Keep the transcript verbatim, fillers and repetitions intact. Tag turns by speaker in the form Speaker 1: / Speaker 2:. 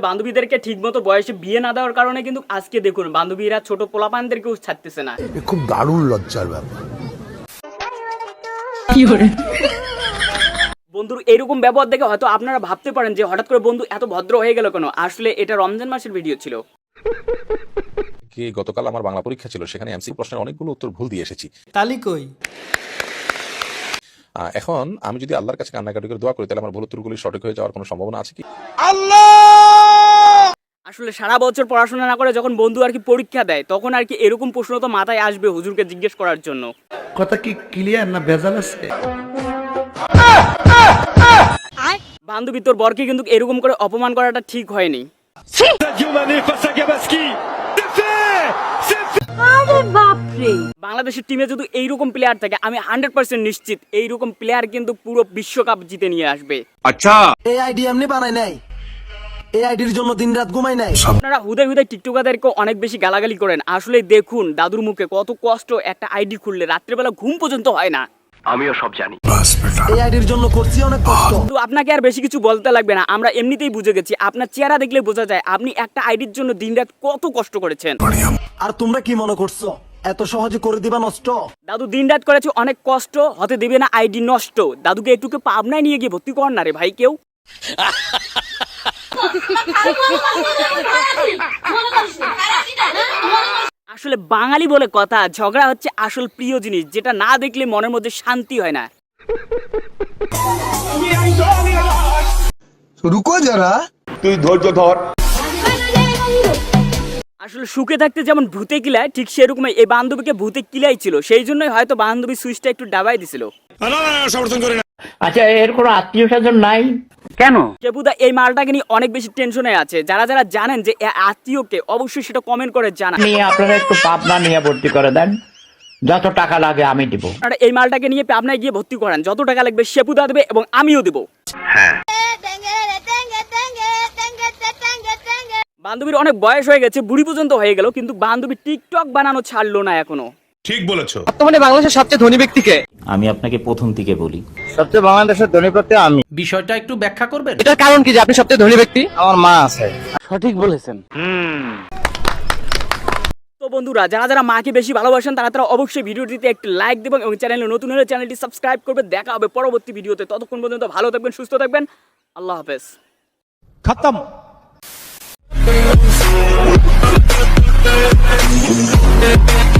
Speaker 1: বান্ধবীদেরকে ঠিকমতো বয়সে বিয়ে না দেওয়ার কারণে কিন্তু আজকে দেখুন বান্ধবীরা ছোট পোলাপানদেরকেও ছাড়তেছে না।
Speaker 2: খুব দারুণ লজ্জার ব্যাপার।
Speaker 1: বন্ধুর এরকম ব্যবহার দেখে হয়তো আপনারা ভাবতে পারেন যে হঠাৎ করে বন্ধু এত ভদ্র হয়ে গেল কেন। আসলে এটা রমজান মাসের ভিডিও ছিল।
Speaker 3: কি গতকাল আমার বাংলা পরীক্ষা ছিল, সেখানে এমসি প্রশ্নের অনেকগুলো উত্তর ভুল দিয়ে এসেছি।
Speaker 4: তালি কই?
Speaker 3: এখন আমি যদি আল্লাহর কাছে কান্নাকাটি করে দোয়া করি তাহলে আমার ভুল উত্তরগুলি সঠিক হয়ে যাওয়ার কোনো সম্ভাবনা আছে কি?
Speaker 1: আসলে সারা বছর পড়াশোনা না করে যখন বন্ধু আর কি পরীক্ষা দেয় তখন আর কি এরকম প্রশ্ন তো মাথায় আসবে হুজুরকে জিজ্ঞেস করার জন্য।
Speaker 2: কথা কি ক্লিয়ার না ভেজাল আছে?
Speaker 1: বান্ধবী তোর বরকে কিন্তু এরকম করে অপমান করাটা ঠিক হয়নি। বাংলাদেশের টিমে যদি এইরকম প্লেয়ার থাকে আমি হান্ড্রেড পার্সেন্ট নিশ্চিত এইরকম প্লেয়ার কিন্তু পুরো বিশ্বকাপ জিতে নিয়ে আসবে।
Speaker 5: আচ্ছা, এই আইডি এমনি বানাই নাই, এই আইডির জন্য দিনরাত ঘুমাই নাই।
Speaker 1: আপনারা হুদায় হুদায় টিকটকারদেরকে অনেক বেশি গালাগালি করেন। আসলে দেখুন দাদুর মুখে কত কষ্ট, একটা আইডি খুললে রাত্রেবেলা ঘুম পর্যন্ত হয় না।
Speaker 5: আমিও সব জানি, এই আইডির জন্য করছি অনেক কষ্ট।
Speaker 1: কিন্তু আপনাকে আর বেশি কিছু বলতে লাগবে না, আমরা এমনিতেই বুঝে গেছি। আপনার চেহারা দেখলে বোঝা যায় আপনি একটা আইডির জন্য দিনরাত কত কষ্ট করেছেন।
Speaker 5: আর তোমরা কি মনে করছো এত সহজে করে দিবা নষ্ট?
Speaker 1: দাদু দিনরাত করেছে অনেক কষ্ট, হতে দেবে না আইডি নষ্ট। দাদুকে একটুকে পাবনায় নিয়ে গিয়ে ভর্তি কর না রে ভাই কেউ। আসলে বাঙালি বলে কথা, ঝগড়া হচ্ছে আসল প্রিয় জিনিস, যেটা না দেখলে মনের মধ্যে শান্তি হয় না।
Speaker 2: রুকো যারা,
Speaker 5: তুই ধৈর্য ধর।
Speaker 1: আসলে সুখে থাকতে যেমন ভূতে কিলায় ঠিক সেরকমই এই বান্ধবীকে ভূতে কিলাই ছিল, সেই জন্যই হয়তো বান্ধবী সুইচটা একটু ডাবাই দিছিল।
Speaker 6: আচ্ছা, এর কোনো আত্মীয় স্বজন নাই কেন?
Speaker 1: কেবুদা এই মালটাকে নিয়ে অনেক বেশি টেনশনে আছে। যারা যারা জানেন যে আত্মীয়কে অবশ্যই সেটা কমেন্ট করে জানান।
Speaker 6: নিয়ে আপনারা একটু পাবনা নিয়ে ভর্তি করে দেন, যত টাকা লাগে আমি দিব।
Speaker 1: আপনারা এই মালটাকে নিয়ে পাবনায় গিয়ে ভর্তি করেন, যত টাকা লাগবে শেপুদা দেবে এবং আমিও দেবো। বান্ধবীর অনেক বয়স হয়ে গেছে, বুড়ি পর্যন্ত হয়ে গেল, কিন্তু বান্ধবী টিকটক বানানো ছাড়লো না এখনো।
Speaker 7: ঠিক বলেছো।
Speaker 4: বর্তমানে বাংলাদেশের সবচেয়ে ধনী ব্যক্তিকে
Speaker 6: আমি আপনাকে প্রথম থেকে বলি,
Speaker 4: সবচেয়ে বাংলাদেশের ধনী ব্যক্তি আমি।
Speaker 7: বিষয়টা একটু ব্যাখ্যা করবেন?
Speaker 4: এটার কারণ কি যে আপনি সবচেয়ে ধনী ব্যক্তি? আমার মা আছে।
Speaker 6: সঠিক বলেছেন।
Speaker 1: তো বন্ধুরা যারা যারা মাকে বেশি ভালোবাসেন তারা তারা অবশ্যই ভিডিওটিতে একটি লাইক দেবেন এবং চ্যানেলে নতুন হলে চ্যানেলটি সাবস্ক্রাইব করবে। দেখা হবে পরবর্তী ভিডিওতে, ততক্ষণ পর্যন্ত ভালো থাকবেন, সুস্থ থাকবেন। আল্লাহ হাফেজ।
Speaker 7: খতম।